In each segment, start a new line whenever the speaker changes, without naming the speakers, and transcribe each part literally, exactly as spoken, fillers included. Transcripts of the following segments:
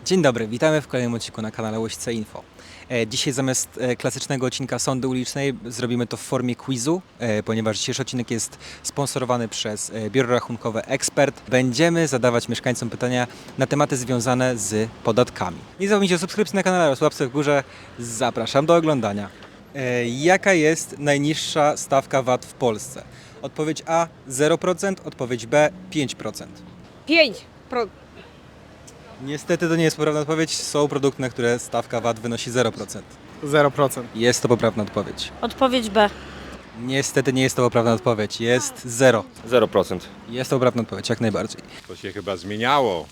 Dzień dobry, witamy w kolejnym odcinku na kanale Łośce Info. E, Dzisiaj zamiast e, klasycznego odcinka Sądy Ulicznej zrobimy to w formie quizu, e, ponieważ dzisiejszy odcinek jest sponsorowany przez e, biuro rachunkowe Ekspert. Będziemy zadawać mieszkańcom pytania na tematy związane z podatkami. Nie zapomnijcie o subskrypcji na kanale oraz łapce w górze. Zapraszam do oglądania. E, Jaka jest najniższa stawka V A T w Polsce? Odpowiedź A zero procent, odpowiedź B pięć procent.
pięć pro...
Niestety to nie jest poprawna odpowiedź. Są produkty, na które stawka V A T wynosi zero procent.
zero procent.
Jest to poprawna odpowiedź.
Odpowiedź B.
Niestety nie jest to poprawna odpowiedź. Jest zero.
zero procent.
Jest to poprawna odpowiedź, jak najbardziej.
To się chyba zmieniało.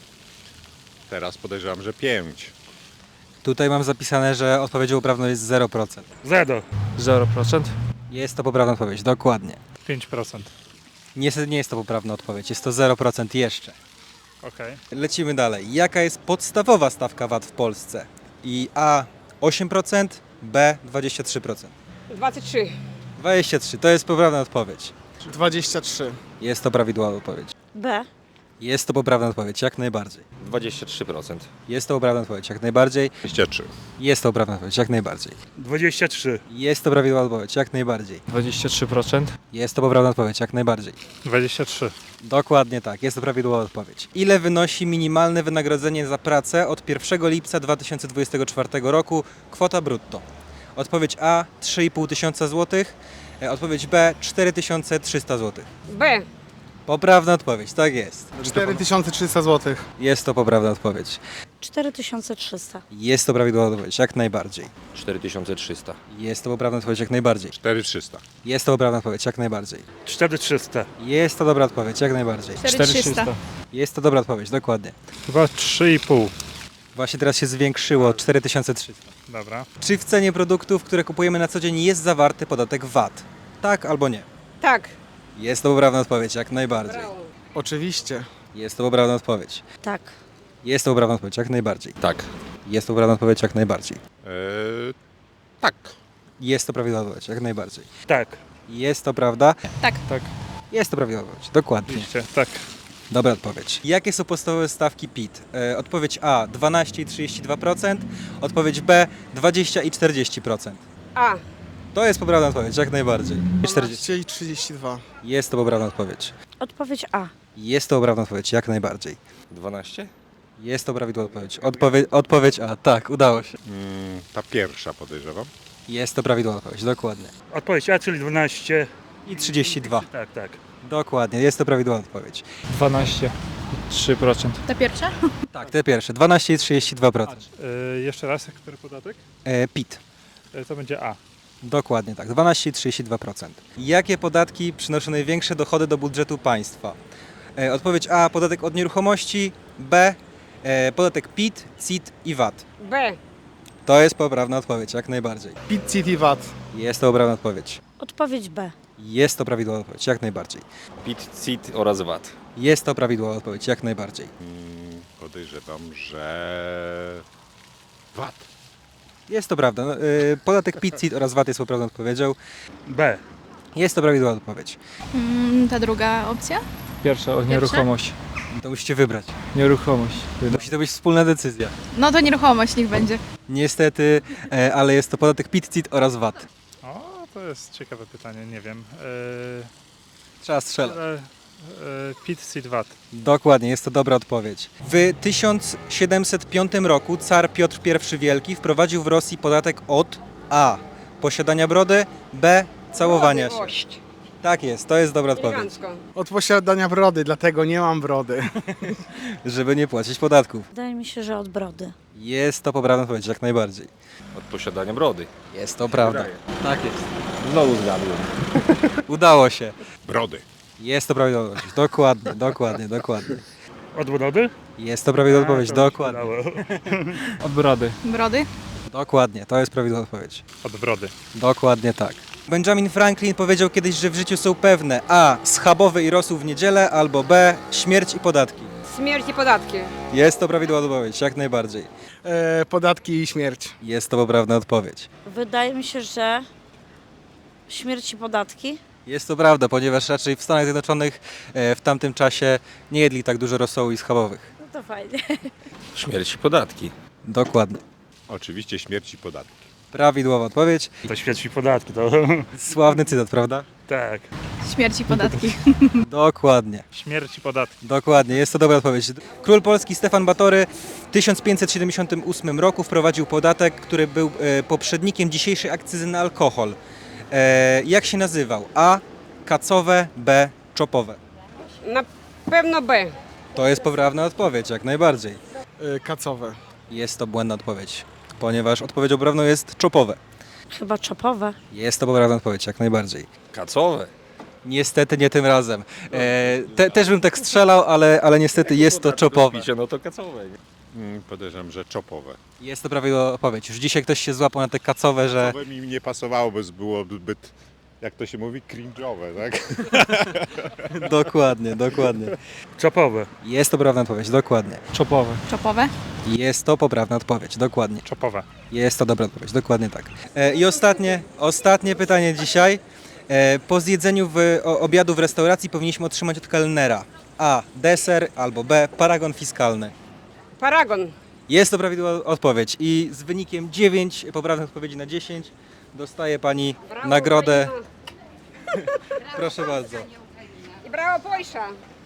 Teraz podejrzewam, że pięć.
Tutaj mam zapisane, że odpowiedzią poprawną jest zero procent.
Zero.
zero procent.
Jest to poprawna odpowiedź, dokładnie.
pięć procent.
Niestety nie jest to poprawna odpowiedź. Jest to zero procent jeszcze.
Okej.
Lecimy dalej. Jaka jest podstawowa stawka V A T w Polsce? I A osiem procent, B dwadzieścia trzy procent.
dwadzieścia trzy.
dwadzieścia trzy to jest poprawna odpowiedź.
dwadzieścia trzy.
Jest to prawidłowa odpowiedź.
B.
Jest to poprawna odpowiedź, jak najbardziej.
dwadzieścia trzy procent.
Jest to poprawna odpowiedź, jak najbardziej.
dwadzieścia trzy.
Jest to poprawna odpowiedź, jak najbardziej.
dwadzieścia trzy.
Jest to prawidłowa odpowiedź, jak najbardziej.
dwadzieścia trzy procent.
Jest to poprawna odpowiedź, jak najbardziej.
dwadzieścia trzy.
Dokładnie tak, jest to prawidłowa odpowiedź. Ile wynosi minimalne wynagrodzenie za pracę od pierwszego lipca dwa tysiące dwudziestego czwartego roku, kwota brutto? Odpowiedź A trzy i pół tysiąca złotych, e, odpowiedź B cztery tysiące trzysta złotych.
B.
Poprawna odpowiedź, tak jest.
cztery tysiące trzysta złotych.
Jest to poprawna odpowiedź.
cztery tysiące trzysta.
Jest to prawidłowa odpowiedź, jak najbardziej.
cztery tysiące trzysta.
Jest to poprawna odpowiedź, jak najbardziej.
cztery tysiące trzysta.
Jest to poprawna odpowiedź, jak najbardziej.
cztery trzysta.
Jest to dobra odpowiedź, jak najbardziej.
cztery trzysta.
Jest to dobra odpowiedź, dokładnie.
Chyba trzy i pół.
Właśnie teraz się zwiększyło, cztery tysiące trzysta.
Dobra.
Czy w cenie produktów, które kupujemy na co dzień, jest zawarty podatek V A T? Tak albo nie?
Tak.
Jest to poprawna odpowiedź, jak najbardziej.
Brawo.
Oczywiście.
Jest to poprawna odpowiedź.
Tak.
Jest to poprawna odpowiedź, jak najbardziej.
Tak.
Jest to poprawna odpowiedź, jak najbardziej.
Eee, tak.
Jest to prawidłowa odpowiedź, jak najbardziej.
Tak.
Jest to prawda?
Tak.
Tak.
Jest to prawidłowa odpowiedź, dokładnie.
Oczywiście. Tak.
Dobra odpowiedź. Jakie są podstawowe stawki P I T? E, odpowiedź A dwanaście i trzydzieści dwa procent, odpowiedź B dwadzieścia i czterdzieści procent.
A.
To jest poprawna odpowiedź, jak najbardziej. czterdzieści.
dwanaście i trzydzieści dwa.
Jest to poprawna odpowiedź.
Odpowiedź A.
Jest to poprawna odpowiedź, jak najbardziej.
dwanaście?
Jest to prawidłowa odpowiedź. Odpowie odpowiedź A, tak, udało się.
Mm, ta pierwsza podejrzewam.
Jest to prawidłowa odpowiedź, dokładnie.
Odpowiedź A, czyli dwanaście.
I trzydzieści dwa.
Tak, tak.
Dokładnie, jest to prawidłowa odpowiedź.
dwanaście. trzy procent.
Ta pierwsza?
Tak, te pierwsze. dwanaście i trzydzieści dwa procent.
E, jeszcze raz, który podatek?
E, P I T.
E, to będzie A.
Dokładnie tak, dwanaście i trzydzieści dwa procent. Jakie podatki przynoszą największe dochody do budżetu państwa? E, odpowiedź A, podatek od nieruchomości, B, e, podatek P I T, C I T i V A T.
B.
To jest poprawna odpowiedź, jak najbardziej.
P I T, C I T i V A T.
Jest to poprawna odpowiedź.
Odpowiedź B.
Jest to prawidłowa odpowiedź, jak najbardziej.
P I T, C I T oraz V A T.
Jest to prawidłowa odpowiedź, jak najbardziej.
Mm, podejrzewam, że V A T.
Jest to prawda. No, y, podatek P I T, C I T oraz V A T jest poprawną odpowiedzią.
B.
Jest to prawidłowa odpowiedź.
Mm, ta druga opcja?
Pierwsza, o nieruchomość.
To musicie wybrać.
Nieruchomość.
Musi to być wspólna decyzja.
No to nieruchomość niech będzie.
Niestety, e, ale jest to podatek P I T, C I T oraz V A T.
O, to jest ciekawe pytanie, nie wiem.
Trzeba strzelać.
E, e, P I T, C I T, V A T.
Dokładnie, jest to dobra odpowiedź. W tysiąc siedemset piątym roku car Piotr I Wielki wprowadził w Rosji podatek od A. Posiadania brody, B. Całowania się.
Miłość.
Tak jest, to jest dobra odpowiedź.
Elegancko.
Od posiadania brody, dlatego nie mam brody.
Żeby nie płacić podatków.
Wydaje mi się, że od brody.
Jest to poprawna odpowiedź, jak najbardziej.
Od posiadania brody.
Jest to prawda. Tak jest.
Znowu zgadłem.
Udało się.
Brody.
Jest to prawidłowa odpowiedź. Dokładnie, dokładnie, dokładnie.
Od brody?
Jest to prawidłowa odpowiedź.
A, to mi się
Dokładnie.
udało.
Od brody.
Brody?
Dokładnie, to jest prawidłowa odpowiedź.
Od brody.
Dokładnie tak. Benjamin Franklin powiedział kiedyś, że w życiu są pewne A. Schabowy i rosół w niedzielę, albo B. Śmierć i podatki.
Śmierć i podatki.
Jest to prawidłowa odpowiedź, jak najbardziej.
E, podatki i śmierć.
Jest to poprawna odpowiedź.
Wydaje mi się, że śmierć i podatki.
Jest to prawda, ponieważ raczej w Stanach Zjednoczonych e, w tamtym czasie nie jedli tak dużo rosołu i schabowych.
No to to fajnie.
Śmierć i podatki.
Dokładnie.
Oczywiście śmierć i podatki.
Prawidłowa odpowiedź.
To śmierć i podatki, to
Sławny cytat, prawda?
tak.
Śmierć i podatki.
Dokładnie.
Śmierć i podatki.
Dokładnie, jest to dobra odpowiedź. Król Polski Stefan Batory w tysiąc pięćset siedemdziesiątym ósmym roku wprowadził podatek, który był e, poprzednikiem dzisiejszej akcyzy na alkohol. E, jak się nazywał? A. Kacowe, B. Czopowe.
Na pewno B.
To jest poprawna odpowiedź, jak najbardziej.
E, kacowe.
Jest to błędna odpowiedź, ponieważ odpowiedzią poprawną jest czopowe.
Chyba czopowe.
Jest to poprawna odpowiedź, jak najbardziej.
Kacowe.
Niestety nie tym razem. E, te, też bym tak strzelał, ale, ale niestety jest to czopowe.
Picie, no to kacowe. Nie?
Mm, podejrzewam, że czopowe.
Jest to prawidłowa odpowiedź. Już dzisiaj ktoś się złapał na te kacowe, że...
To by mi nie pasowało, bo byłoby zbyt, jak to się mówi, cringe'owe, tak?
Dokładnie, dokładnie.
Czopowe.
Jest to poprawna odpowiedź, dokładnie.
Czopowe.
Czopowe?
Jest to poprawna odpowiedź, dokładnie.
Czopowe.
Jest to dobra odpowiedź, dokładnie tak. E, I ostatnie, ostatnie pytanie dzisiaj. E, po zjedzeniu w, o, obiadu w restauracji powinniśmy otrzymać od kelnera A. Deser albo B. Paragon fiskalny.
Paragon.
Jest to prawidłowa odpowiedź i z wynikiem dziewięć poprawnych odpowiedzi na dziesięć dostaje Pani
Brawo,
nagrodę.
Ukraina.
Proszę bardzo.
I brawo Polsza.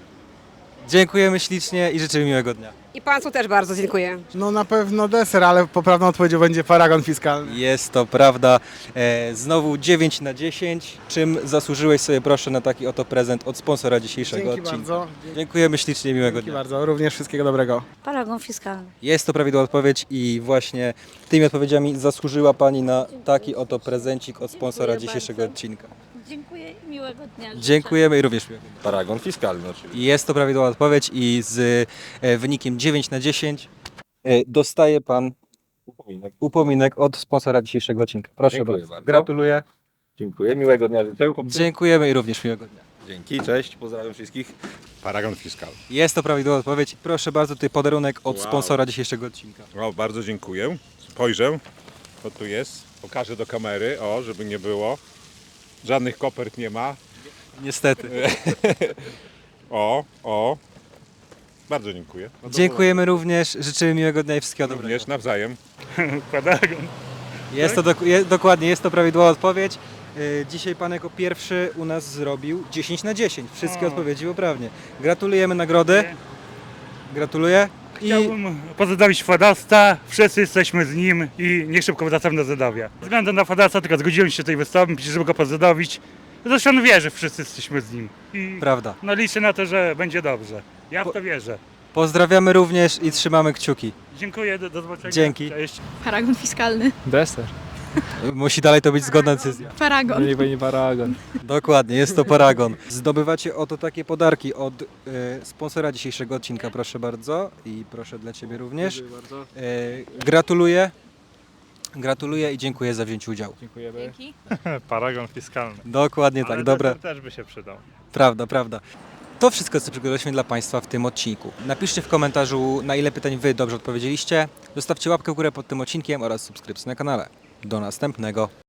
Dziękujemy ślicznie i życzymy miłego dnia.
I Państwu też bardzo dziękuję.
No na pewno deser, ale poprawną odpowiedzią będzie paragon fiskalny.
Jest to prawda. E, znowu dziewięć na dziesięć. Czym zasłużyłeś sobie proszę na taki oto prezent od sponsora dzisiejszego
Dzięki
odcinka.
bardzo.
Dziękujemy ślicznie, miłego
Dzięki
dnia.
bardzo. Również wszystkiego dobrego.
Paragon fiskalny.
Jest to prawidłowa odpowiedź i właśnie tymi odpowiedziami zasłużyła Pani na taki oto prezencik od sponsora
Dziękuję
dzisiejszego
bardzo.
odcinka.
Dziękuję i miłego dnia. życzę.
Dziękujemy i również miłego dnia.
Paragon fiskalny oczywiście.
Jest to prawidłowa odpowiedź i z e, wynikiem dziewięć na dziesięć e, dostaje Pan
Upominek.
upominek od sponsora dzisiejszego odcinka. Proszę
Dziękuję
bardzo.
bardzo.
Gratuluję.
Dziękuję, miłego dnia życzę.
Dziękujemy i również miłego dnia.
Dzięki, cześć, pozdrawiam wszystkich.
Paragon fiskalny.
Jest to prawidłowa odpowiedź. Proszę bardzo, tutaj podarunek od
Wow.
sponsora dzisiejszego odcinka.
O, bardzo dziękuję. Spojrzę, co tu jest. Pokażę do kamery, o, żeby nie było. Żadnych kopert nie ma.
Niestety.
O, o. Bardzo dziękuję. No to
Dziękujemy również, życzymy miłego dnia i wszystkiego dobrego.
Również nawzajem.
Paragon.
Jest to dok- je, dokładnie, jest to prawidłowa odpowiedź. Yy, Dzisiaj Pan jako pierwszy u nas zrobił dziesięć na dziesięć. Wszystkie
O.
odpowiedzi poprawnie. Gratulujemy nagrody. Gratuluję. I
Chciałbym pozdrowić Fadasta, wszyscy jesteśmy z nim i niech szybko wracamy do Zadowia. Ze względu na Fadasta tylko zgodziłem się tutaj wystąpić, żeby go pozdrowić. Zresztą on wie, że wszyscy jesteśmy z nim. I
prawda.
no liczę na to, że będzie dobrze. Ja w to wierzę.
Pozdrawiamy również i trzymamy kciuki.
Dziękuję, do, do zobaczenia.
Dzięki.
Cześć.
Paragon fiskalny.
Deser.
Musi dalej to być zgodna decyzja.
Paragon.
Nie będzie paragon.
Dokładnie, jest to paragon. Zdobywacie oto takie podarki od y, sponsora dzisiejszego odcinka, proszę bardzo. I proszę dla Ciebie również. Y, gratuluję. Gratuluję i dziękuję za wzięcie udziału.
Dziękujemy.
Dzięki.
Paragon fiskalny.
Dokładnie tak,
Ale
dobra.
deser też by się przydał.
Prawda, prawda. To wszystko, co przygotowaliśmy dla Państwa w tym odcinku. Napiszcie w komentarzu, na ile pytań Wy dobrze odpowiedzieliście. Zostawcie łapkę w górę pod tym odcinkiem oraz subskrypcję na kanale. Do następnego.